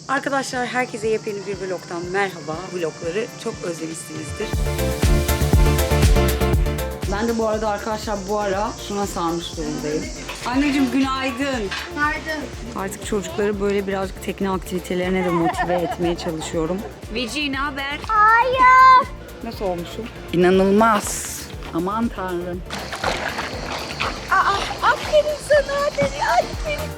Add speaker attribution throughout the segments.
Speaker 1: Arkadaşlar herkese yepyeni bir vlogtan merhaba. Vlogları çok özlemişsinizdir. Ben de bu arada arkadaşlar şuna sarmış durumdayım. Anneciğim günaydın.
Speaker 2: Günaydın.
Speaker 1: Artık çocukları böyle birazcık tekne aktivitelerine de motive etmeye çalışıyorum. Veci ne haber?
Speaker 2: Hayır.
Speaker 1: Nasıl olmuşum? İnanılmaz. Aman tanrım.
Speaker 2: Aferin sana. Aferin.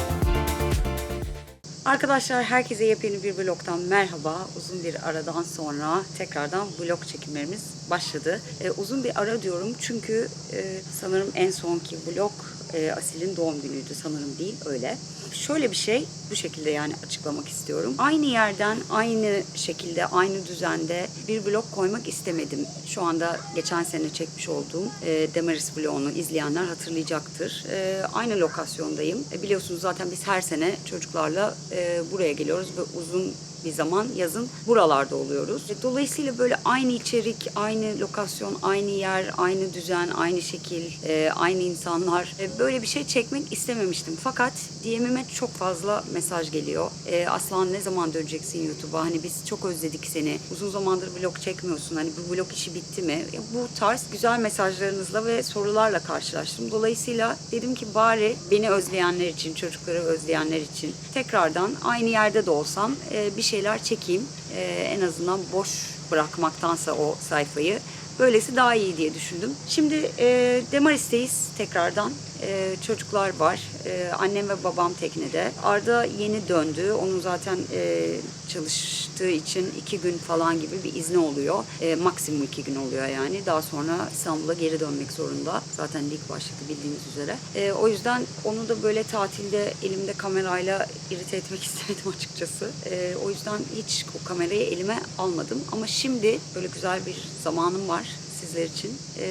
Speaker 1: Arkadaşlar herkese yepyeni bir vlogtan merhaba. Uzun bir aradan sonra tekrardan vlog çekimlerimiz başladı. Uzun bir ara diyorum çünkü sanırım en sonki vlog Asil'in doğum günüydü, sanırım değil öyle. Şöyle bir şey, bu şekilde yani açıklamak istiyorum. Aynı yerden, aynı şekilde, aynı düzende bir vlog koymak istemedim. Şu anda geçen sene çekmiş olduğum Demaris vlogunu izleyenler hatırlayacaktır. Aynı lokasyondayım. Biliyorsunuz zaten biz her sene çocuklarla buraya geliyoruz ve uzun bir zaman yazın buralarda oluyoruz. Dolayısıyla böyle aynı içerik, aynı lokasyon, aynı yer, aynı düzen, aynı şekil, aynı insanlar, böyle bir şey çekmek istememiştim. Fakat DM'ime çok fazla mesaj geliyor. Aslan ne zaman döneceksin YouTube'a? Hani biz çok özledik seni. Uzun zamandır vlog çekmiyorsun. Hani bu vlog işi bitti mi? Bu tarz güzel mesajlarınızla ve sorularla karşılaştım. Dolayısıyla dedim ki bari beni özleyenler için, çocukları özleyenler için tekrardan aynı yerde de olsam bir şeyler çekeyim. En azından boş bırakmaktansa o sayfayı. Böylesi daha iyi diye düşündüm. Şimdi Demaris'teyiz tekrardan. Çocuklar var. Annem ve babam teknede. Arda yeni döndü. Onun zaten çalıştığı için 2 gün falan gibi bir izni oluyor. Maksimum 2 gün oluyor yani. Daha sonra İstanbul'a geri dönmek zorunda. Zaten lig başladı bildiğiniz üzere. O yüzden onu da böyle tatilde elimde kamerayla irite etmek istemedim açıkçası. O yüzden hiç o kamerayı elime almadım. Ama şimdi böyle güzel bir zamanım var sizler için.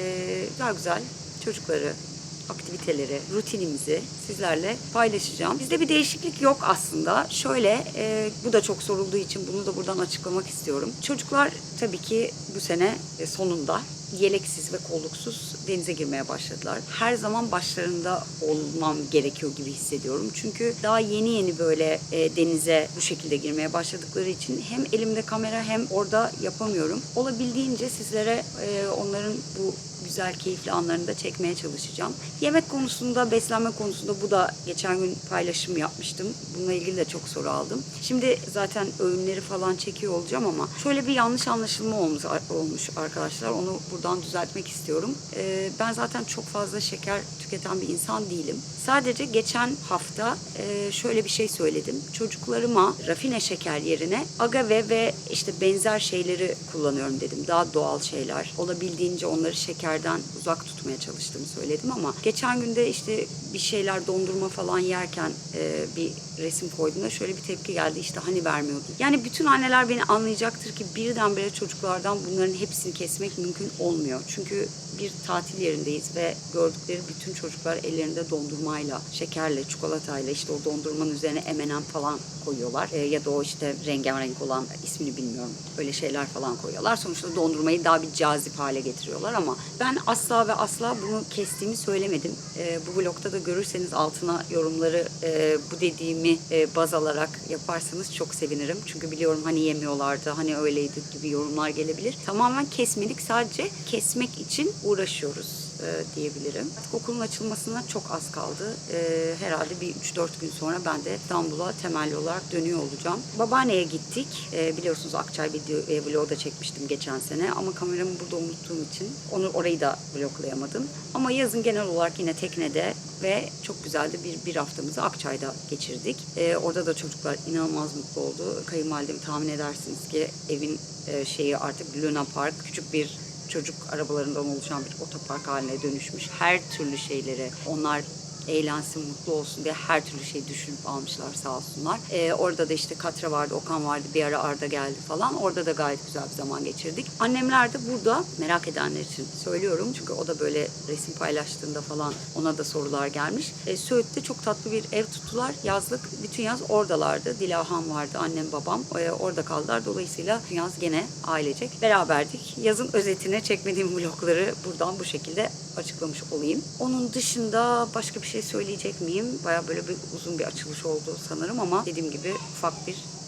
Speaker 1: Güzel çocukları, aktiviteleri, rutinimizi sizlerle paylaşacağım. Bizde bir değişiklik yok aslında. Şöyle, bu da çok sorulduğu için bunu da buradan açıklamak istiyorum. Çocuklar tabii ki bu sene sonunda yeleksiz ve kolluksuz denize girmeye başladılar. Her zaman başlarında olmam gerekiyor gibi hissediyorum. Çünkü daha yeni böyle denize bu şekilde girmeye başladıkları için hem elimde kamera hem orada yapamıyorum. Olabildiğince sizlere onların bu güzel, keyifli anlarını da çekmeye çalışacağım. Yemek konusunda, beslenme konusunda bu da geçen gün paylaşım yapmıştım. Bununla ilgili de çok soru aldım. Şimdi zaten öğünleri falan çekiyor olacağım ama şöyle bir yanlış anlaşılma olmuş arkadaşlar. Onu buradan düzeltmek istiyorum. Ben zaten çok fazla şeker tüketen bir insan değilim. Sadece geçen hafta şöyle bir şey söyledim. Çocuklarıma rafine şeker yerine agave ve işte benzer şeyleri kullanıyorum dedim. Daha doğal şeyler. Olabildiğince onları şekerden uzak tutmaya çalıştığımı söyledim ama geçen günde işte bir şeyler dondurma falan yerken bir resim koyduğumda şöyle bir tepki geldi. İşte hani vermiyordu. Yani bütün anneler beni anlayacaktır ki birdenbire çocuklardan bunların hepsini kesmek mümkün olmuyor. Çünkü bir tatil yerindeyiz ve gördükleri bütün çocuklar ellerinde dondurmayla, şekerle, çikolatayla işte o dondurmanın üzerine M&M falan koyuyorlar. Ya da o işte rengarenk olan ismini bilmiyorum. Öyle şeyler falan koyuyorlar. Sonuçta dondurmayı daha bir cazip hale getiriyorlar ama ben asla ve asla bunu kestiğimi söylemedim. Bu vlogda da görürseniz altına yorumları bu dediğimi baz alarak yaparsanız çok sevinirim. Çünkü biliyorum hani yemiyorlardı, hani öyleydi gibi yorumlar gelebilir. Tamamen kesmedik, sadece kesmek için uğraşıyoruz diyebilirim. Okulun açılmasına çok az kaldı. Herhalde bir 3-4 gün sonra ben de İstanbul'a temelli olarak dönüyor olacağım. Babaanneye gittik. Biliyorsunuz Akçay vlogu da çekmiştim geçen sene ama kameramı burada unuttuğum için orayı da vloglayamadım. Ama yazın genel olarak yine teknede ve çok güzel de bir haftamızı Akçay'da geçirdik. Orada da çocuklar inanılmaz mutlu oldu. Kayınvalidemi tahmin edersiniz ki evin şeyi artık Luna Park, küçük bir çocuk arabalarından oluşan bir otopark haline dönüşmüş. Her türlü şeyleri onlar eğlensin, mutlu olsun diye her türlü şey düşünüp almışlar sağ olsunlar. Orada da işte Katra vardı, Okan vardı, bir ara Arda geldi falan. Orada da gayet güzel bir zaman geçirdik. Annemler de burada, merak edenler için söylüyorum. Çünkü o da böyle resim paylaştığında falan ona da sorular gelmiş. Söğüt'te çok tatlı bir ev tuttular. Yazlık, bütün yaz oradalardı. Dilahan vardı, annem babam. Orada kaldılar. Dolayısıyla bütün yaz gene ailecek beraberdik. Yazın özetine çekmediğim vlogları buradan bu şekilde açıklamış olayım. Onun dışında başka bir şey söyleyecek miyim? Baya böyle uzun bir açılış oldu sanırım ama dediğim gibi ufak bir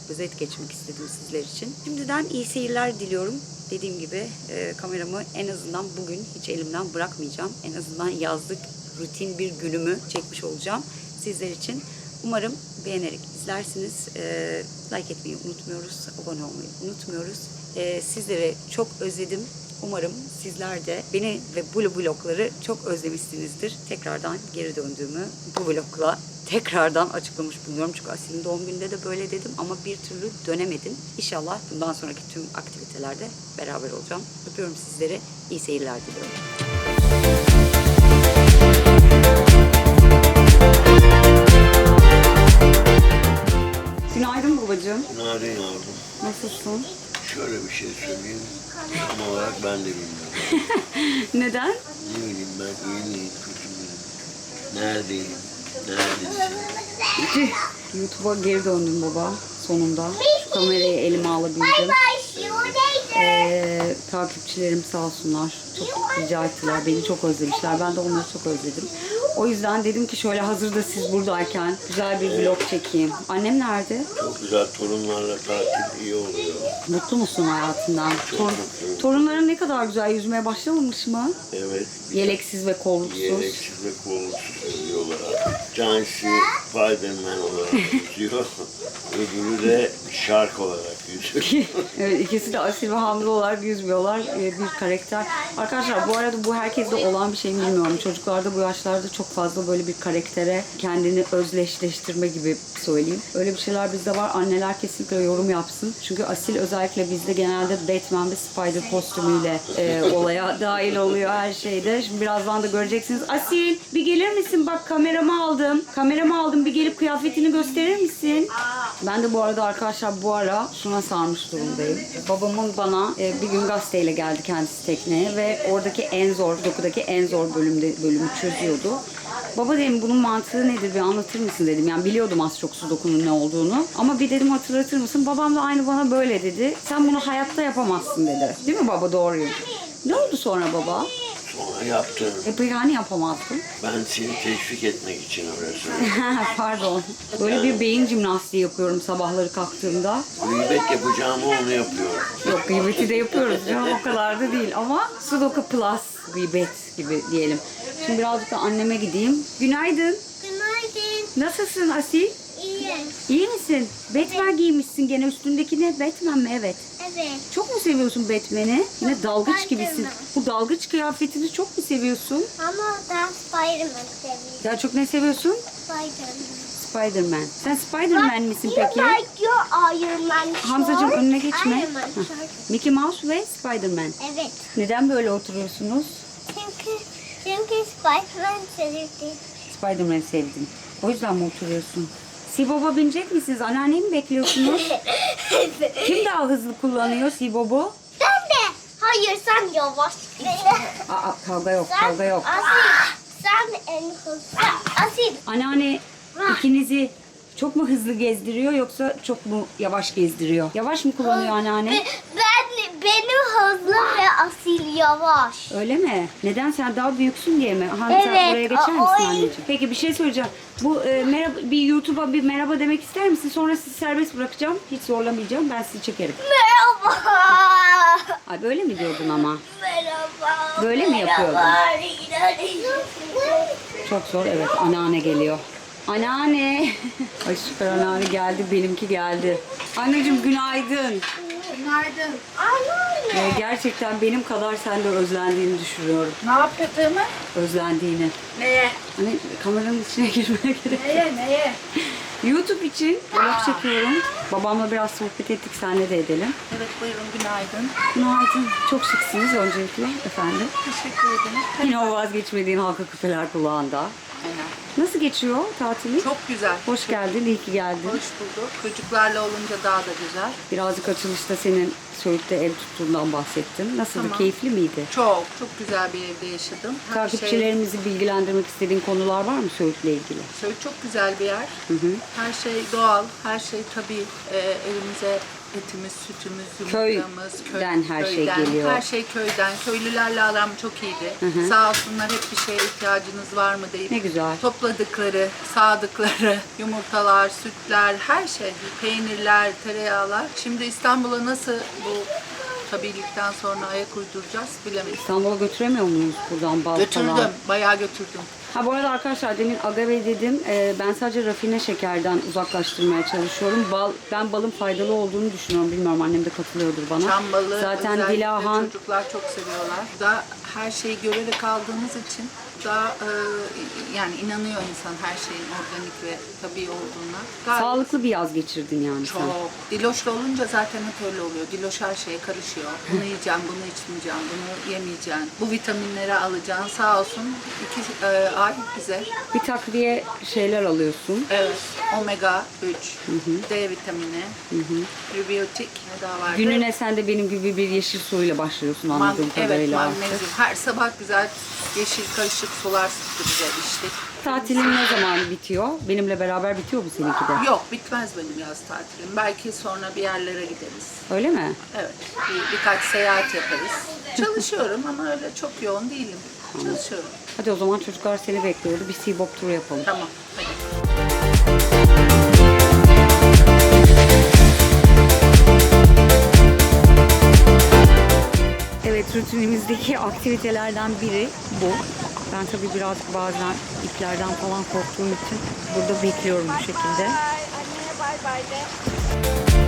Speaker 1: özet geçmek istedim sizler için. Şimdiden iyi seyirler diliyorum. Dediğim gibi kameramı en azından bugün hiç elimden bırakmayacağım. En azından yazlık rutin bir günümü çekmiş olacağım sizler için. Umarım beğenerek izlersiniz. Like etmeyi unutmuyoruz. Abone olmayı unutmuyoruz. Sizleri çok özledim. Umarım sizler de beni ve bu vlogları çok özlemişsinizdir. Tekrardan geri döndüğümü bu vlogla tekrardan açıklamış bulunuyorum. Çünkü Asil'in doğum gününde de böyle dedim ama bir türlü dönemedim. İnşallah bundan sonraki tüm aktivitelerde beraber olacağım. Öpüyorum sizleri. İyi seyirler diliyorum. Günaydın babacığım.
Speaker 3: Günaydın yavrum.
Speaker 1: Nasılsın?
Speaker 3: Şöyle bir şey söyleyeyim. Tam olarak ben de bilmiyorum.
Speaker 1: Neden?
Speaker 3: Ne bileyim ben iyi miyim, kötü müyüm? Neredeyim? Neredesin?
Speaker 1: YouTube'a geri döndüm baba sonunda. Şu kamerayı elime alabildim. Takipçilerim sağ olsunlar. Çok rica ettiler. Beni çok özlemişler. Ben de onları çok özledim. O yüzden dedim ki şöyle hazırda siz buradayken güzel bir vlog çekeyim. Annem nerede?
Speaker 3: Çok güzel torunlarla tatil iyi oluyor.
Speaker 1: Mutlu musun hayatından?
Speaker 3: mutluyum.
Speaker 1: Torunların ne kadar güzel yüzmeye başlamamış mı?
Speaker 3: Evet.
Speaker 1: Yeleksiz ve kolluksuz.
Speaker 3: Yeleksiz ve kolluk yüzüyorlar artık. Cansi Spiderman olarak yüzüyor. Öbürü de şark olarak yüzüyor.
Speaker 1: Evet, ikisi de asil ve hamile olarak yüzmüyorlar. Bir karakter. Arkadaşlar bu arada bu herkeste olan bir şey mi bilmiyorum. Çocuklarda bu yaşlarda çok fazla böyle bir karaktere kendini özdeşleştirme gibi söyleyeyim. Öyle bir şeyler bizde var. Anneler kesinlikle yorum yapsın. Çünkü asil özellikle bizde genelde Batman ve Spider kostümüyle olaya dahil oluyor her şeyde. Şimdi birazdan da göreceksiniz. Asil bir gelir misin? Bak kameramı aldım. Kameramı aldım. Bir gelip kıyafetini gösterir misin? Ben de bu arada arkadaşlar bu ara şuna sarmış durumdayım. Babamın bana bir gün gazeteyle geldi kendisi tekneye ve oradaki en zor, dokudaki en zor bölümü çözüyordu. Baba dedim bunun mantığı nedir bir anlatır mısın dedim. Yani biliyordum az çok sudokunun ne olduğunu. Ama bir dedim hatırlatır mısın? Babam da aynı bana böyle dedi. Sen bunu hayatta yapamazsın dedi. Değil mi baba doğruyu? Ne oldu sonra baba?
Speaker 3: Sonra yaptım.
Speaker 1: Peki hani yapamazdın?
Speaker 3: Ben seni teşvik etmek için öyle söyledim.
Speaker 1: Pardon. Böyle bir beyin jimnastiği yapıyorum sabahları kalktığımda.
Speaker 3: Gıybet yapacağımı onu yapıyorum.
Speaker 1: Yok gıybeti de yapıyoruz canım o kadar da değil ama Sudoku Plus gıybet gibi diyelim. Şimdi birazcık da anneme gideyim. Günaydın.
Speaker 2: Günaydın.
Speaker 1: Nasılsın Asil?
Speaker 2: İyi.
Speaker 1: İyi misin? Batman giymişsin gene üstündeki ne? Batman mi? Evet.
Speaker 2: Evet.
Speaker 1: Çok mu seviyorsun Batman'i? Yine dalgıç
Speaker 2: Spiderman.
Speaker 1: gibisin. Bu dalgıç kıyafetini çok mu seviyorsun?
Speaker 2: Ama ben Spiderman seviyorum.
Speaker 1: Daha çok ne seviyorsun?
Speaker 2: Spiderman.
Speaker 1: Spider-Man. Sen Spider-Man misin peki?
Speaker 2: You like your Iron Man
Speaker 1: Hamzacığım
Speaker 2: shirt?
Speaker 1: önüne geçme.
Speaker 2: Iron Man
Speaker 1: Hah.
Speaker 2: shirt.
Speaker 1: Mickey Mouse ve Spider-Man.
Speaker 2: Evet.
Speaker 1: Neden böyle oturuyorsunuz?
Speaker 2: Çünkü Spiderman sevdi.
Speaker 1: Spider-Man sevdin. O yüzden mi oturuyorsun? Sibob'a binecek misiniz? Anneanneyi mi bekliyorsunuz? Kim daha hızlı kullanıyor Sibob'u?
Speaker 2: Ben de. Hayır sen yavaş.
Speaker 1: Aa kavga yok,
Speaker 2: Sen
Speaker 1: kavga yok.
Speaker 2: Asil. Sen en hızlı. Asil.
Speaker 1: Anneanne ikinizi çok mu hızlı gezdiriyor yoksa çok mu yavaş gezdiriyor? Yavaş mı kullanıyor anneanne?
Speaker 2: Benim hızlı ve Asil yavaş.
Speaker 1: Öyle mi? Neden sen daha büyüksün diye mi? Aha,
Speaker 2: Evet,
Speaker 1: sen oraya geçer misin
Speaker 2: o-
Speaker 1: anneciğim? Peki bir şey söyleyeceğim. Bu merhaba bir YouTube'a bir merhaba demek ister misin? Sonra sizi serbest bırakacağım. Hiç zorlamayacağım. Ben sizi çekerim.
Speaker 2: Merhaba.
Speaker 1: Ay böyle mi diyordun ama?
Speaker 2: Merhaba.
Speaker 1: Böyle mi yapıyordun?
Speaker 2: Merhaba.
Speaker 1: Çok zor. Evet anneanne geliyor. Anneanne. Ay süper anneanne geldi. Benimki geldi. Anneciğim günaydın.
Speaker 2: Günaydın. Anneanne.
Speaker 1: Gerçekten benim kadar sen de özlendiğini düşünüyorum.
Speaker 4: Ne yaptığımı?
Speaker 1: Özlendiğini.
Speaker 4: Neye?
Speaker 1: Hani kameranın içine girmeye gerek yok.
Speaker 4: Neye?
Speaker 1: YouTube için vlog çekiyorum. Babamla biraz sohbet ettik. Seninle de edelim.
Speaker 4: Evet buyurun günaydın.
Speaker 1: Günaydın. Çok şıksınız öncelikle efendim.
Speaker 4: Teşekkür ederim.
Speaker 1: Yine o vazgeçmediğin halka küpeler kulağında.
Speaker 4: Aynen.
Speaker 1: Nasıl geçiyor tatilin?
Speaker 4: Çok güzel.
Speaker 1: Hoş geldin, iyi ki geldin.
Speaker 4: Hoş bulduk. Çocuklarla olunca daha da güzel.
Speaker 1: Birazcık açılışta senin Söğüt'te ev tuttuğundan bahsettin. Nasıldı?
Speaker 4: Tamam.
Speaker 1: Keyifli miydi?
Speaker 4: Çok güzel bir evde yaşadım. Her şey,
Speaker 1: Takipçilerimizi bilgilendirmek istediğin konular var mı Söğüt'le ilgili?
Speaker 4: Söğüt çok güzel bir yer. Her şey doğal, her şey tabii. Evimize etimiz, sütümüz, yumurtamız,
Speaker 1: Köyden her şey
Speaker 4: köyden.
Speaker 1: geliyor.
Speaker 4: Her şey köyden. Köylülerle aram çok iyiydi. Sağ olsunlar, hep bir şeye ihtiyacınız var mı deyip
Speaker 1: Ne güzel.
Speaker 4: topladıkları, sağdıkları yumurtalar, sütler, her şey, peynirler, tereyağlar. Şimdi İstanbul'a nasıl bu tabilikten sonra ayak uyduracağız bilemeyiz.
Speaker 1: İstanbul'a götüremiyor muyuz buradan bal
Speaker 4: Götürdüm,
Speaker 1: falan?
Speaker 4: bayağı götürdüm.
Speaker 1: Ha bu arada arkadaşlar demin agave dedim. Ben sadece rafine şekerden uzaklaştırmaya çalışıyorum. Ben balın faydalı olduğunu düşünüyorum. Bilmiyorum, annem de katılıyordur bana.
Speaker 4: Çam balı
Speaker 1: Zaten
Speaker 4: özellikle
Speaker 1: Dilahan
Speaker 4: çocuklar çok seviyorlar. Da her şeyi görerek aldığımız için daha yani inanıyor insan her şeyin organik ve tabii olduğuna. Gayet
Speaker 1: sağlıklı bir yaz geçirdin yani sen.
Speaker 4: çok. Diloşlu olunca zaten hep öyle oluyor. Diloş her şeye karışıyor. Bunu yiyeceğim, bunu içmeyeceğim, bunu yemeyeceğim. Bu vitaminleri alacaksın. Sağ olsun 2 ay bize.
Speaker 1: Bir takviye şeyler alıyorsun.
Speaker 4: Evet. Omega 3, D vitamini, prebiyotik ne daha vardı?
Speaker 1: Gününe sen de benim gibi bir yeşil suyla başlıyorsun anladığım
Speaker 4: Evet,
Speaker 1: kadarıyla.
Speaker 4: magnezyum. Her sabah güzel yeşil karışık sular sıktı bize içtik.
Speaker 1: Tatilin ne zaman bitiyor? Benimle beraber bitiyor mu seninki de?
Speaker 4: Yok, bitmez benim yaz tatilim. Belki sonra bir yerlere gideriz.
Speaker 1: Öyle mi?
Speaker 4: Evet, birkaç seyahat yaparız. Çalışıyorum ama öyle çok yoğun değilim. Çalışıyorum.
Speaker 1: Hadi o zaman çocuklar seni bekliyordu. Bir Seabob turu yapalım.
Speaker 4: Tamam, hadi.
Speaker 1: Evet, rutinimizdeki aktivitelerden biri bu. Ben tabii birazcık bazen iplerden falan korktuğum için burada bekliyorum bu şekilde.
Speaker 2: Anneye bay bay de.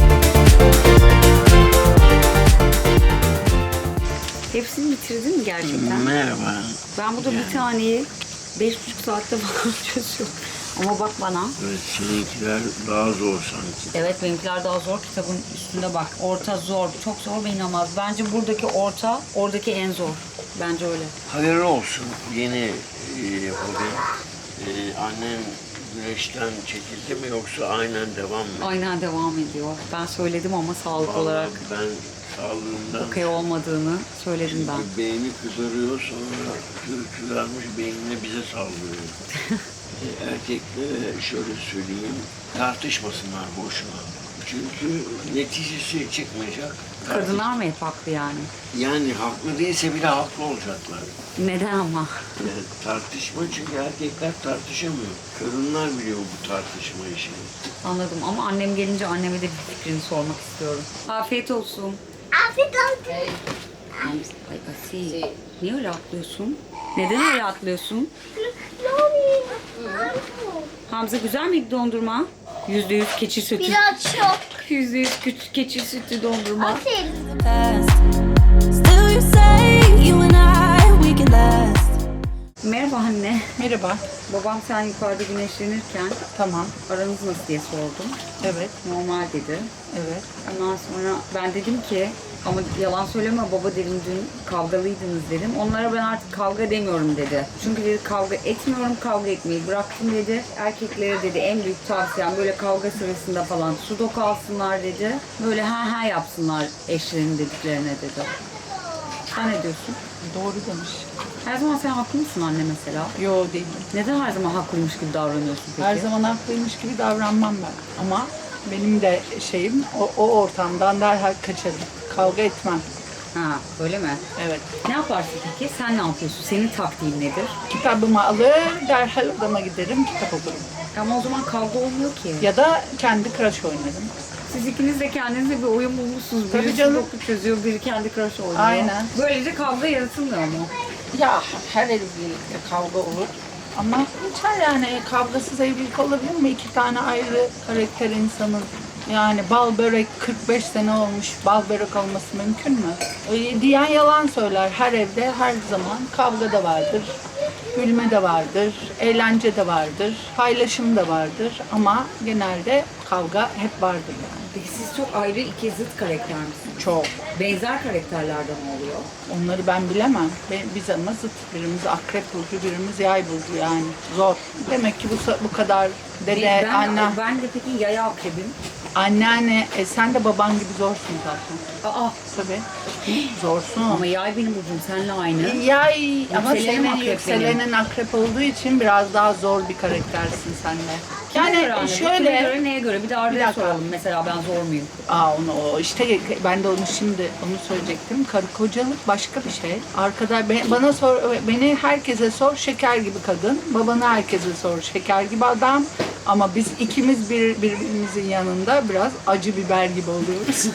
Speaker 1: Hepsini bitirdin mi gerçekten?
Speaker 3: Merhaba.
Speaker 1: Ben burada bir taneyi 5,5 saatte falan çözüyorum. Ama bak bana.
Speaker 3: Evet, seninkiler daha zor sanki.
Speaker 1: Evet, benimkiler daha zor. Kitabın üstünde bak. Orta zor. Çok zor ve inanılmaz. Bence buradaki orta, oradaki en zor. Bence öyle.
Speaker 3: Hayırlı olsun yeni hobi. Annen güneşten çekildi mi yoksa aynen devam mı?
Speaker 1: Aynen devam ediyor. Ben söyledim ama sağlık
Speaker 3: Vallahi
Speaker 1: olarak
Speaker 3: ben sağlığımdan
Speaker 1: okey olmadığını söyledim ben.
Speaker 3: beyni kızarıyor, sonra kızarmış beynine bize saldırıyor. Erkeklere şöyle söyleyeyim, tartışmasınlar boşuna. Çünkü neticesi çıkmayacak.
Speaker 1: Kadınlar mı hep haklı yani?
Speaker 3: Yani haklı değilse bile haklı olacaklar.
Speaker 1: Neden ama?
Speaker 3: Yani tartışma, çünkü erkekler tartışamıyor. Kadınlar biliyor bu tartışma işini.
Speaker 1: Anladım ama annem gelince anneme de bir fikrini sormak istiyorum. Afiyet olsun.
Speaker 2: Afiyet olsun.
Speaker 1: Ay Asi, niye öyle atlıyorsun? Neden öyle atlıyorsun? Hamza, güzel miydi dondurma? %100 keçi sütü.
Speaker 2: Biraz çok.
Speaker 1: %100 keçi sütü dondurma.
Speaker 2: Aferin.
Speaker 5: past. Still you say you and I, we can last.
Speaker 1: Merhaba anne.
Speaker 4: Merhaba.
Speaker 1: Babam sen yukarıda güneşlenirken
Speaker 4: Tamam.
Speaker 1: aranız nasıl diye sordum.
Speaker 4: Evet,
Speaker 1: Normal dedi.
Speaker 4: evet.
Speaker 1: Ondan sonra ben dedim ki ama yalan söyleme baba dedim, dün kavgalıydınız dedim. Onlara ben artık kavga demiyorum dedi. Çünkü dedi kavga etmiyorum, kavga etmeyi bıraktım dedi. Erkeklere dedi en büyük tavsiyem böyle kavga sırasında falan sudoku alsınlar dedi. Böyle ha ha yapsınlar eşlerinin dediklerine dedi. Sen ne diyorsun?
Speaker 4: Doğru demiş.
Speaker 1: Her zaman sen haklı mısın anne mesela?
Speaker 4: Yo değilim.
Speaker 1: Neden her zaman haklıymış gibi davranıyorsun peki?
Speaker 4: Her zaman haklıymış gibi davranmam ben. Ama benim de şeyim o ortamdan derhal kaçarım. Kavga etmem.
Speaker 1: Ha, öyle mi?
Speaker 4: Evet.
Speaker 1: Ne yaparsın peki? Sen ne yapıyorsun? Senin taktiğin nedir?
Speaker 4: Kitabımı alır, derhal odama giderim, kitap okurum.
Speaker 1: Ama o zaman kavga olmuyor ki.
Speaker 4: Ya da kendi crush oynarım.
Speaker 1: Siz ikiniz de kendinize bir oyun bulmuşsunuz.
Speaker 4: Tabii
Speaker 1: Biri
Speaker 4: canım.
Speaker 1: sudoku çözüyor, biri kendi crush oynuyor.
Speaker 4: Aynen.
Speaker 1: Böylece kavga yaratılmıyor mu?
Speaker 4: Ya her evlilikte kavga olur. Ama hiç yani kavgasız evlilik olabilir mi? 2 tane ayrı karakter insanın. Yani bal börek 45 sene olmuş, bal börek olması mümkün mü? Diyen yalan söyler. Her evde her zaman kavga da vardır, gülme de vardır, eğlence de vardır, paylaşım da vardır. Ama genelde kavga hep vardır yani.
Speaker 1: Peki siz çok ayrı iki zıt karakter misiniz?
Speaker 4: Çok.
Speaker 1: Benzer karakterlerden oluyor.
Speaker 4: Onları ben bilemem. Biz ama zıt. Birimiz akrep burcu, birimiz yay burcu yani. Zor. Demek ki bu kadar dede,
Speaker 1: Ben de peki yaya akrebim.
Speaker 4: anneanne, sen de baban gibi zorsun zaten.
Speaker 1: Aa,
Speaker 4: Tabii. Zorsun.
Speaker 1: ama yay benim burcum seninle aynı.
Speaker 4: Yay ama
Speaker 1: Yükselenim
Speaker 4: senin
Speaker 1: akrep
Speaker 4: yükselenin akrep olduğu için biraz daha zor bir karaktersin sen de.
Speaker 1: Kime göre
Speaker 4: Yani
Speaker 1: anne? Kime
Speaker 4: şöyle,
Speaker 1: göre, neye göre? Bir de Arda'ya
Speaker 4: dakika.
Speaker 1: soralım. Mesela ben zor muyum?
Speaker 4: o işte ben de onu söyleyecektim. Karı kocalık başka bir şey. Bana sor, beni herkese sor, şeker gibi kadın. Babanı herkese sor, şeker gibi adam. Ama biz ikimiz birbirimizin yanında biraz acı biber gibi oluyoruz.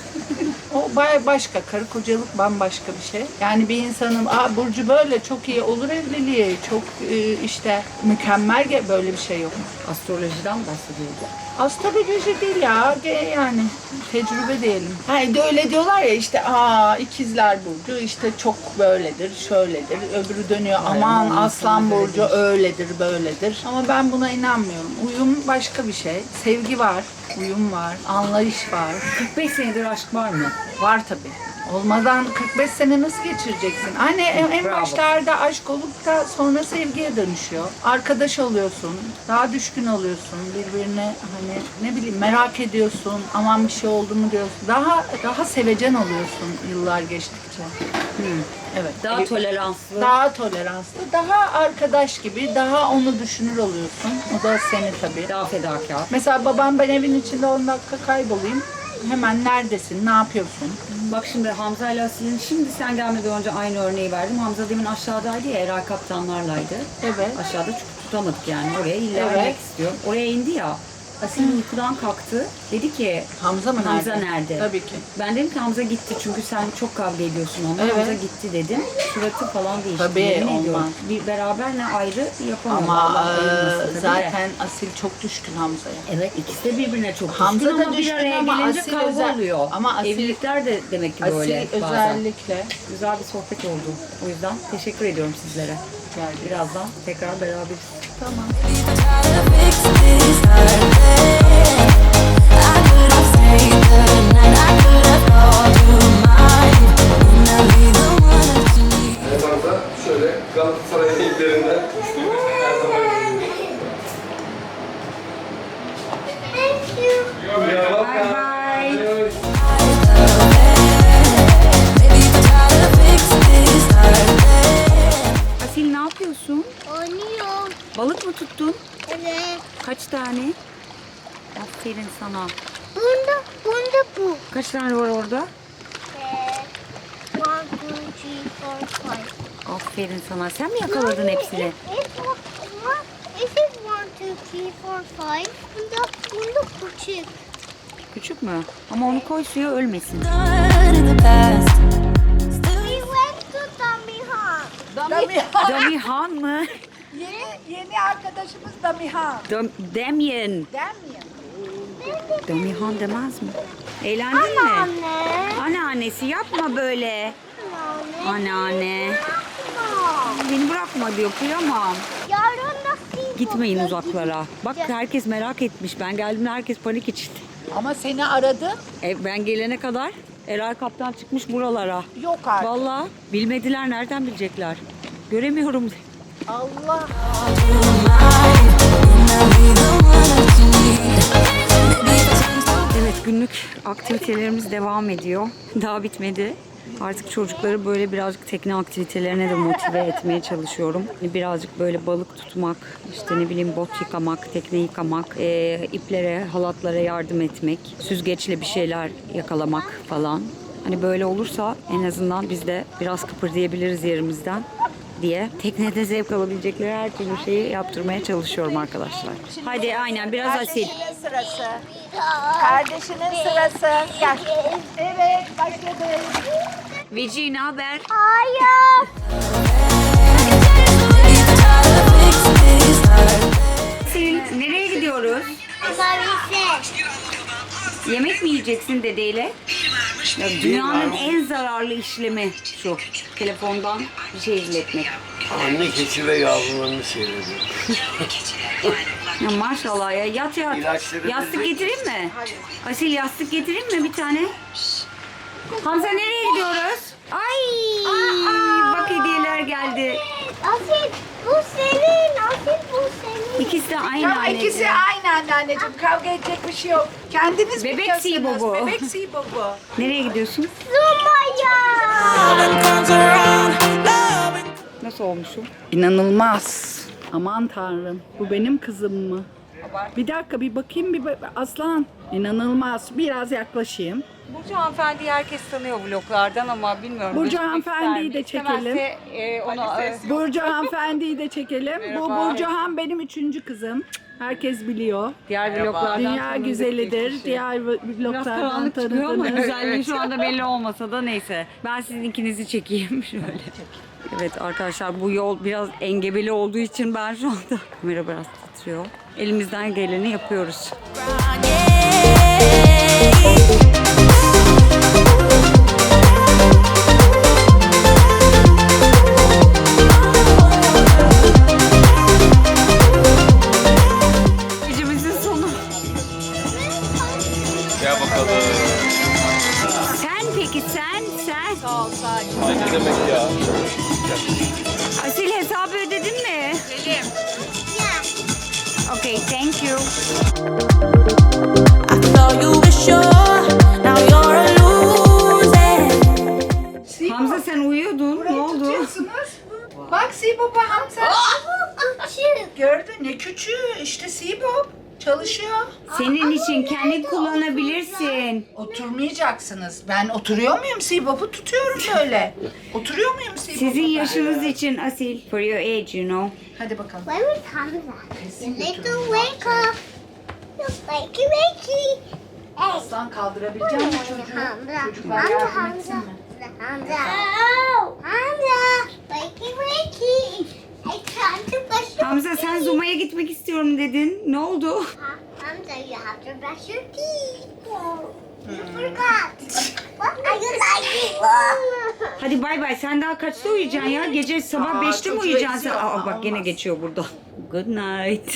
Speaker 4: O başka, karı kocalık bambaşka bir şey. Yani bir insanın burcu böyle çok iyi olur evliliği, çok işte mükemmel, böyle bir şey yok.
Speaker 1: Astrolojiden bahsediyordu.
Speaker 4: Astroloji değil ya, yani tecrübe diyelim. Hani de öyle diyorlar ya işte ikizler burcu işte çok böyledir, şöyledir. Öbürü dönüyor aman aslan burcu öyledir, böyledir. Ama ben buna inanmıyorum. Uyum başka bir şey. Sevgi var, uyum var, anlayış var.
Speaker 1: 45 senedir aşk var mı?
Speaker 4: Var tabii. Olmadan 45 sene nasıl geçireceksin? Hani en
Speaker 1: Bravo.
Speaker 4: başlarda aşk olup da sonra sevgiye dönüşüyor. Arkadaş oluyorsun, daha düşkün oluyorsun birbirine, hani ne bileyim merak ediyorsun, aman bir şey oldu mu diyorsun. Daha sevecen oluyorsun yıllar geçtikçe. Evet.
Speaker 1: Daha toleranslı.
Speaker 4: Daha toleranslı, daha arkadaş gibi, daha onu düşünür oluyorsun. O da seni tabii.
Speaker 1: Daha fedakar.
Speaker 4: Mesela babam ben evin içinde 10 dakika kaybolayım. Hemen neredesin, ne yapıyorsun?
Speaker 1: Bak şimdi Hamza ile Asil'in şimdi sen gelmeden önce aynı örneği verdim. Hamza demin aşağıdaydı ya, Eray kaptanlarlaydı.
Speaker 4: Evet.
Speaker 1: Aşağıda çünkü tutamadık yani. Oraya illa
Speaker 4: Evet.
Speaker 1: inmek istiyor. Oraya indi ya. Asil uykudan kalktı. Dedi ki
Speaker 4: Hamza mı nerede?
Speaker 1: Hamza nerede?
Speaker 4: Tabii ki.
Speaker 1: Ben dedim ki Hamza gitti çünkü sen çok kavga ediyorsun onunla.
Speaker 4: Evet.
Speaker 1: Hamza gitti dedim. Suratı falan değişti.
Speaker 4: Tabii,
Speaker 1: Yemin ediyorum.
Speaker 4: olmaz.
Speaker 1: Bir beraber ne ayrı yapamıyor.
Speaker 4: Ama
Speaker 1: Allah ayırmasın tabii de.
Speaker 4: zaten Asil çok düşkün Hamza'ya.
Speaker 1: Evet, ikisi de birbirine çok düşkün
Speaker 4: Hamza da
Speaker 1: ama bir
Speaker 4: düşkün
Speaker 1: araya
Speaker 4: ama
Speaker 1: gelince
Speaker 4: Asil
Speaker 1: kavga oluyor.
Speaker 4: ama Asil,
Speaker 1: Evlilikler de demek ki
Speaker 4: Asil
Speaker 1: böyle bazen.
Speaker 4: özellikle
Speaker 1: Güzel bir sohbet oldu. O yüzden teşekkür ediyorum sizlere.
Speaker 4: geldi.
Speaker 1: Birazdan tekrar beraberiz.
Speaker 4: Tamam.
Speaker 5: Try to fix this heart. I could have stayed the night. I could have called you mine. And I'll be the one that you need.
Speaker 6: Evet Hamza, şöyle Galatasaray'ın ilklerinden her zaman
Speaker 2: Thank you.
Speaker 6: You're welcome.
Speaker 1: Bye.
Speaker 5: Baby, try to fix this heart.
Speaker 1: Asil ne yapıyorsun?
Speaker 2: Oynuyorum.
Speaker 1: Balık mı tuttun?
Speaker 2: Evet.
Speaker 1: Kaç tane? Aferin sana.
Speaker 2: Bunda bu.
Speaker 1: Kaç tane var orada?
Speaker 2: 1, 2, 3, 4, 5.
Speaker 1: Aferin sana. Sen mi yakaladın hepsini?
Speaker 2: This is 1, 2, 3, 4, 5. Bunda küçük.
Speaker 1: Küçük mü? Ama onu koy suya ölmesin.
Speaker 5: Done in the past.
Speaker 2: We went to Damihan.
Speaker 1: Damihan mı?
Speaker 4: Yeni arkadaşımız da Mihan.
Speaker 1: Damien. Damihan demez mi? Eğlendin mi?
Speaker 2: Anne.
Speaker 1: Anneannesi yapma böyle. Anneanne.
Speaker 2: Yapma.
Speaker 1: Beni bırakma diyor, kıyamam.
Speaker 2: Yarın nasıl
Speaker 1: Gitmeyin
Speaker 2: yapacağız?
Speaker 1: uzaklara. Bak herkes merak etmiş. Ben geldiğimde herkes panik içinde.
Speaker 4: Ama seni aradı.
Speaker 1: Ben gelene kadar Eray Kaptan çıkmış buralara.
Speaker 4: Yok artık.
Speaker 1: Vallahi bilmediler, nereden bilecekler? Göremiyorum.
Speaker 4: Allah.
Speaker 1: Evet, günlük aktivitelerimiz devam ediyor. Daha bitmedi. Artık çocukları böyle birazcık tekne aktivitelerine de motive etmeye çalışıyorum. Birazcık böyle balık tutmak, işte ne bileyim bot yıkamak, tekne yıkamak, iplere, halatlara yardım etmek, süzgeçle bir şeyler yakalamak falan. Hani böyle olursa en azından biz de biraz kıpırdayabiliriz yerimizden diye teknede zevk alabilecekleri her türlü şeyi yaptırmaya çalışıyorum arkadaşlar. Hadi aynen biraz asil.
Speaker 4: Kardeşinin sırası. Kardeşinin sırası. Gel. Evet, başladı.
Speaker 1: Vici ne haber?
Speaker 2: Hayır.
Speaker 1: Asil nereye gidiyoruz?
Speaker 2: Servise.
Speaker 1: Yemek mi yiyeceksin dedeyle? Ya dünyanın en zararlı işlemi şu. Telefondan bir şey izletmek.
Speaker 3: Anne keçi ve yavrularını seyrediyor.
Speaker 1: Ya maşallah ya, yat yat.
Speaker 3: İlaçları
Speaker 1: Yastık
Speaker 3: bize-
Speaker 1: getireyim mi?
Speaker 4: Hayır.
Speaker 1: Asil yastık getireyim mi bir tane? Hamza nereye gidiyoruz? Ay! Bak hediyeler geldi.
Speaker 2: Asil bu senin. Asil bu senin.
Speaker 1: İkisi de aynı
Speaker 4: Tamam
Speaker 1: anneciğim.
Speaker 4: ikisi aynı anneanneciğim. Kavga edecek bir şey yok. Kendiniz
Speaker 1: Bebek
Speaker 4: biliyorsunuz.
Speaker 1: Sibobo.
Speaker 4: Bebek Sibobo.
Speaker 1: Nereye gidiyorsun?
Speaker 2: Zumaya.
Speaker 1: Nasıl olmuşum?
Speaker 4: İnanılmaz. Aman tanrım. Bu benim kızım mı? Bir dakika bir bakayım Aslan. İnanılmaz. Biraz yaklaşayım.
Speaker 1: Burcu hanımefendiyi herkes tanıyor vloglardan ama bilmiyorum.
Speaker 4: Burcu
Speaker 1: gözükmek
Speaker 4: hanımefendiyi
Speaker 1: ister mi?
Speaker 4: de çekelim.
Speaker 1: İstemezse, onu
Speaker 4: Burcu hanımefendiyi de çekelim. Bu
Speaker 1: Merhaba.
Speaker 4: Burcu Han benim 3. kızım. Herkes biliyor.
Speaker 1: diğer vloglardan
Speaker 4: Dünya
Speaker 1: tanıdık bir
Speaker 4: güzelidir.
Speaker 1: kişi.
Speaker 4: Diğer
Speaker 1: Biraz
Speaker 4: vloglardan
Speaker 1: karanlık çıkıyor ama
Speaker 4: tanıdınız.
Speaker 1: özelliği şu anda belli olmasa da neyse. Ben sizin ikinizi çekeyim şöyle. Evet arkadaşlar bu yol biraz engebeli olduğu için ben şu anda kamera biraz titriyor. Elimizden geleni yapıyoruz. Gecemizin sonu.
Speaker 6: Gel bakalım.
Speaker 1: Sen peki sen.
Speaker 6: Ne demek ya?
Speaker 1: Asil hesabı ödedin mi? Ödedim. Okay, thank you.
Speaker 5: I thought you were sure, now you're a loser.
Speaker 1: Hamza sen uyuyordun. Ne oldu?
Speaker 4: Tutuyorsunuz. Bak Sibobo Hamza.
Speaker 2: Küçük.
Speaker 4: Gördün ne küçüğü işte Sibob. Çalışıyor.
Speaker 1: Senin için kendin kullanabilirsin.
Speaker 4: Oturmayacaksınız. Ben oturuyor muyum Sibop'u tutuyorum böyle. Oturuyor muyum Sibop'u?
Speaker 1: Sizin yaşınız için Asil. For your age, you know.
Speaker 4: Hadi bakalım.
Speaker 2: Where is Hamza? Little wake up. Wakey wakey. Hey.
Speaker 4: Aslan kaldırabilecek misin çocuğu?
Speaker 2: Hamza.
Speaker 4: Çocuklar
Speaker 2: Hamza.
Speaker 4: yardım
Speaker 2: Hamza.
Speaker 4: etsin mi?
Speaker 2: Hamza. Hamza. Wakey wakey. It's time to brush your
Speaker 1: Hamza sen Zuma'ya gitmek istiyorum dedin. Ne oldu?
Speaker 2: Hamza, you have to brush your teeth. You forgot. What are you like?
Speaker 1: Hadi bay bay. Sen daha kaçta uyuyacaksın ya? Gece sabah 5'te mi
Speaker 4: çocuğu
Speaker 1: uyuyacaksın sen?
Speaker 4: eziyor.
Speaker 1: Aa bak gene
Speaker 4: Olmaz.
Speaker 1: geçiyor burada. Good night.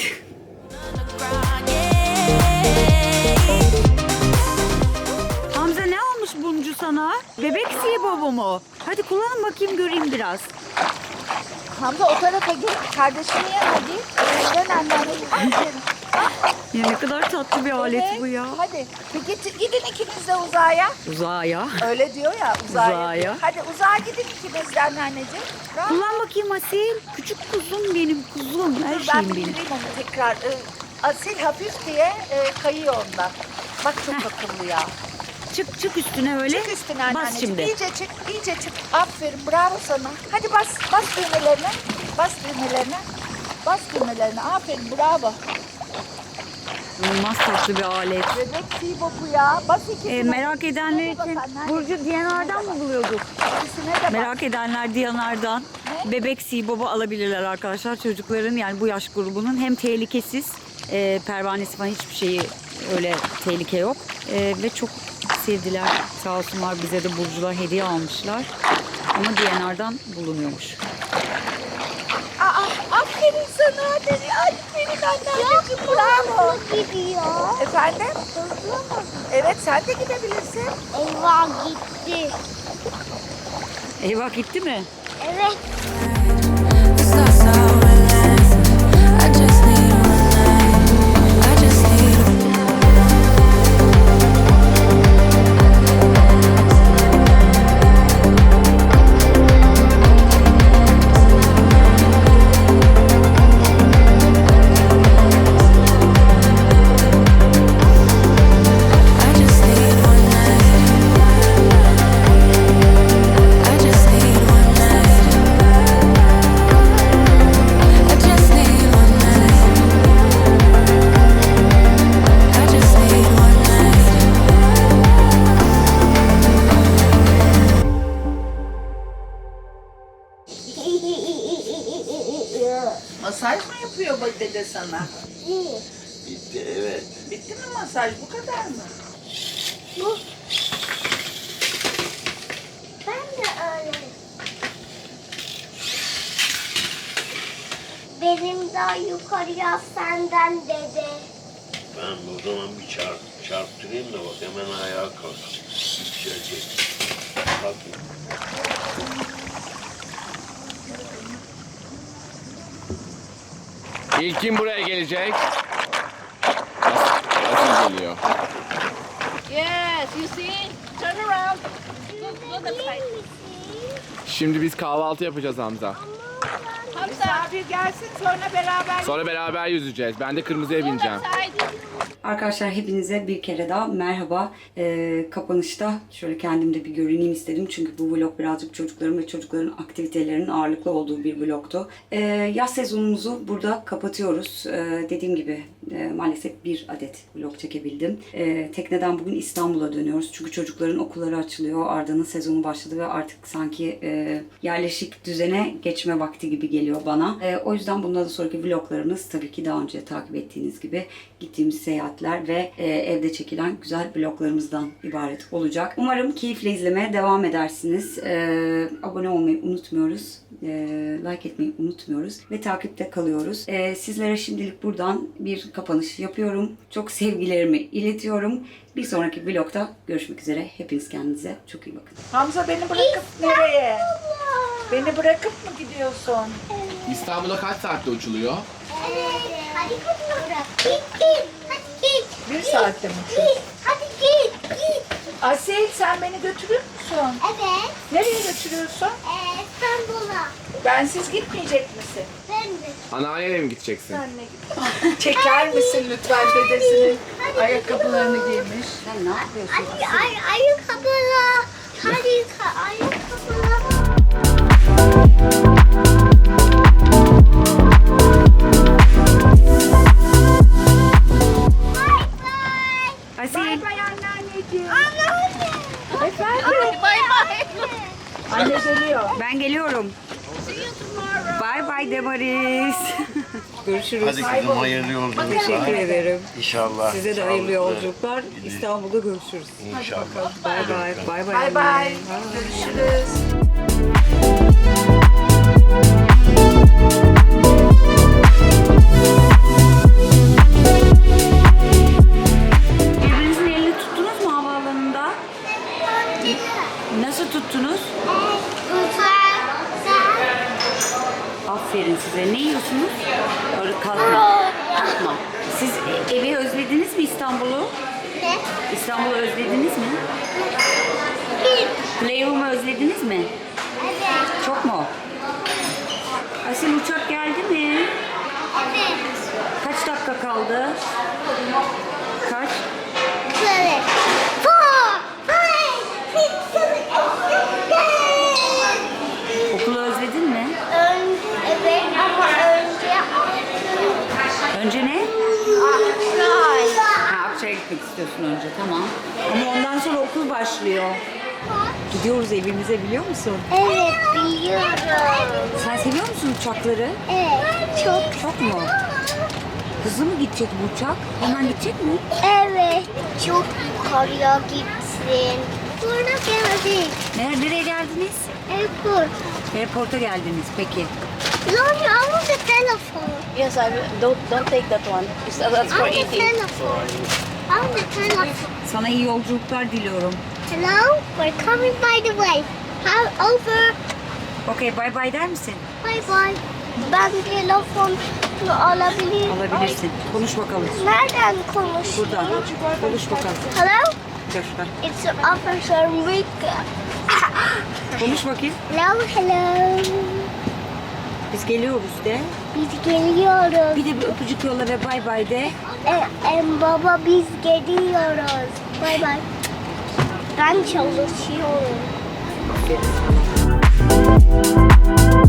Speaker 1: Hamza ne almış Buncu sana? Bebek Sibobo mu? Hadi kullanın bakayım göreyim biraz.
Speaker 4: Hamza o tarafa git. Kardeşini ye hadi. Dön anneanneciğim. Aferin.
Speaker 1: Ya ne kadar tatlı bir alet bu ya.
Speaker 4: Hadi. Gidin ikiniz de uzağa.
Speaker 1: Uzağa ya.
Speaker 4: Öyle diyor ya uzağa.
Speaker 1: Uzağa.
Speaker 4: Hadi uzağa gidin ikiniz de anneanneciğim. Rahat.
Speaker 1: Kullan bakayım Asil. Küçük kuzum benim kuzum. Her
Speaker 4: Dur ben
Speaker 1: şeyim benim.
Speaker 4: bildireyim onu tekrar. Asil hafif diye kayıyor ondan. Bak çok akıllı ya.
Speaker 1: Çık çık üstüne öyle.
Speaker 4: Çık üstüne
Speaker 1: Bas
Speaker 4: anneanneciğim.
Speaker 1: şimdi.
Speaker 4: İyice çık, iyice çık. Aferin, bravo sana. Hadi bas düğmelerine. Bas düğmelerine. Bas düğmelerine. Aferin, bravo.
Speaker 1: İnanılmaz tatlı bir alet.
Speaker 4: Bebek Sibobu ya. Bas ikisine.
Speaker 1: Merak edenler
Speaker 4: Bas
Speaker 1: için
Speaker 4: anneanne.
Speaker 1: Burcu Diyanar'dan mı buluyorduk?
Speaker 4: İkisine de bas.
Speaker 1: Merak edenler Diyanar'dan bebek Sibobu alabilirler arkadaşlar. Çocukların yani bu yaş grubunun hem tehlikesiz, pervanesi falan hiçbir şeyi öyle tehlike yok. Ve çok sevdiler. Sağ olsunlar bize de Burcular hediye almışlar. Ama Diyanar'dan bulunuyormuş.
Speaker 4: Aferin sana. Aferin anneanneciğim. Bravo.
Speaker 2: Hızlı gidiyor.
Speaker 4: Efendim?
Speaker 2: Hızlı mı?
Speaker 4: Evet sen de gidebilirsin.
Speaker 2: Eyvah gitti.
Speaker 1: Eyvah gitti mi?
Speaker 2: Evet.
Speaker 5: It's not so relaxed. I just need one night. I just need I just need one night. I just need one night. I just need one night. I just need one night.
Speaker 4: Masaj mı yapıyor bak dede sana?
Speaker 3: Bitti evet.
Speaker 4: Bitti mi masaj? Bu kadar mı?
Speaker 2: Bu. Ben de öyle. Benim daha yukarıya senden dedi.
Speaker 3: Ben o zaman bir çarptırayım da bak hemen ayağa kalk. Yükselecek. Kalk.
Speaker 6: İlk kim buraya gelecek? Nasıl geliyor?
Speaker 4: Yes, you see? Turn around. Go that side.
Speaker 6: Şimdi biz kahvaltı yapacağız Hamza.
Speaker 4: Misafir gelsin sonra beraber.
Speaker 6: Sonra beraber yüzeceğiz. Ben de kırmızıya bineceğim.
Speaker 1: Arkadaşlar hepinize bir kere daha merhaba. Kapanışta şöyle kendimde bir görüneyim istedim. Çünkü bu vlog birazcık çocukların ve çocukların aktivitelerinin ağırlıklı olduğu bir vlogtu. Yaz sezonumuzu burada kapatıyoruz. Dediğim gibi maalesef bir adet vlog çekebildim. Tekneden bugün İstanbul'a dönüyoruz. Çünkü çocukların okulları açılıyor. Arda'nın sezonu başladı ve artık sanki yerleşik düzene geçme vakti gibi geliyor bana. O yüzden bundan sonraki vloglarımız tabii ki daha önce takip ettiğiniz gibi gittiğimiz seyahatler ve evde çekilen güzel vloglarımızdan ibaret olacak. Umarım keyifle izlemeye devam edersiniz. Abone olmayı unutmuyoruz. Like etmeyi unutmuyoruz ve takipte kalıyoruz. Sizlere şimdilik buradan bir kapanış yapıyorum. Çok sevgilerimi iletiyorum. Bir sonraki vlogda görüşmek üzere. Hepiniz kendinize çok iyi bakın.
Speaker 4: Hamza beni bırakıp nereye? Beni bırakıp mı gidiyorsun?
Speaker 6: İstanbul'a kaç saatte uçuluyor?
Speaker 2: Hadi kızım. Git. Hadi git.
Speaker 4: Bir saatte mi?
Speaker 2: Hadi git.
Speaker 4: Asil sen beni götürür müsün?
Speaker 2: Evet.
Speaker 4: Nereye götürüyorsun?
Speaker 2: İstanbul'a.
Speaker 4: Bensiz gitmeyecek misin?
Speaker 2: Ben de.
Speaker 6: Anneannene mi gideceksin?
Speaker 4: Senle git. Çeker misin lütfen dedesinin ayakkabılarını giymiş.
Speaker 1: Sen ne yapıyorsun?
Speaker 2: Hadi ayakkabıla. Hadi ayakkabıla.
Speaker 1: Asil.
Speaker 4: Bay bay anneanneciğim.
Speaker 2: Anne.
Speaker 4: Efendim? Bay bay. Anne geliyor.
Speaker 1: Ben geliyorum. Bye bye Demaris. Görüşürüz.
Speaker 3: Hadi kızım hayırlı yolculuklar.
Speaker 1: Teşekkür ederim.
Speaker 3: İnşallah.
Speaker 1: Size de hayırlı yolculuklar. İstanbul'da görüşürüz.
Speaker 3: İnşallah.
Speaker 1: Bye bye. Bye bye.
Speaker 4: Bay bay.
Speaker 1: anne.
Speaker 4: Görüşürüz.
Speaker 1: Birbirinizin elini tuttunuz mu havaalanında? Nasıl tuttunuz? Aferin size. Ne yiyorsunuz? Öyle kalkma. Kalkma. Siz evi özlediniz mi İstanbul'u?
Speaker 2: Ne?
Speaker 1: İstanbul'u özlediniz mi? Playroom'u özlediniz mi?
Speaker 2: Evet.
Speaker 1: Çok mu? Asil uçak geldi mi?
Speaker 2: Evet.
Speaker 1: Kaç dakika kaldı? Kaç?
Speaker 2: Şöyle. 4, 5, 6, 7.
Speaker 1: Okulu özledin mi?
Speaker 2: Evet ama önce
Speaker 1: Önce ne?
Speaker 2: Akray.
Speaker 1: Ha, Akçay'a gitmek istiyorsun önce, tamam. Ama ondan sonra okul başlıyor. Gidiyoruz evimize, biliyor musun?
Speaker 2: Evet biliyorum.
Speaker 1: Sen seviyor musun uçakları?
Speaker 2: Evet çok.
Speaker 1: Çok mu? Hızlı mı gidecek bu uçak? Hemen gidecek mi?
Speaker 2: Evet çok yukarıya gitsin. Sonra geldik.
Speaker 1: Nereye geldiniz?
Speaker 2: Airport.
Speaker 1: Airport'a geldiniz, peki.
Speaker 2: Lonnie, I want the telephone.
Speaker 7: Yes, I will. Don't take that one. That's
Speaker 2: I
Speaker 7: for
Speaker 2: want the
Speaker 7: eating.
Speaker 2: telephone. I want the telephone.
Speaker 1: Sana iyi yolculuklar diliyorum.
Speaker 2: Hello, we're coming by the way. How over?
Speaker 1: Okey, bye bye der misin?
Speaker 2: Bye bye. Ben telefon alabilir.
Speaker 1: Alabilirsin. Konuş bakalım.
Speaker 2: Nereden konuş?
Speaker 1: Buradan. Konuş bakalım.
Speaker 2: Hello,
Speaker 1: Göster.
Speaker 2: it's Officer Rick.
Speaker 1: Konuş bakayım.
Speaker 2: Hello.
Speaker 1: Biz geliyoruz de.
Speaker 2: Biz geliyoruz.
Speaker 1: Bir de bir öpücük yolla ve bye bye de.
Speaker 2: Baba biz geliyoruz. Bye bye. Ben çalışıyorum.
Speaker 1: Aferin sana.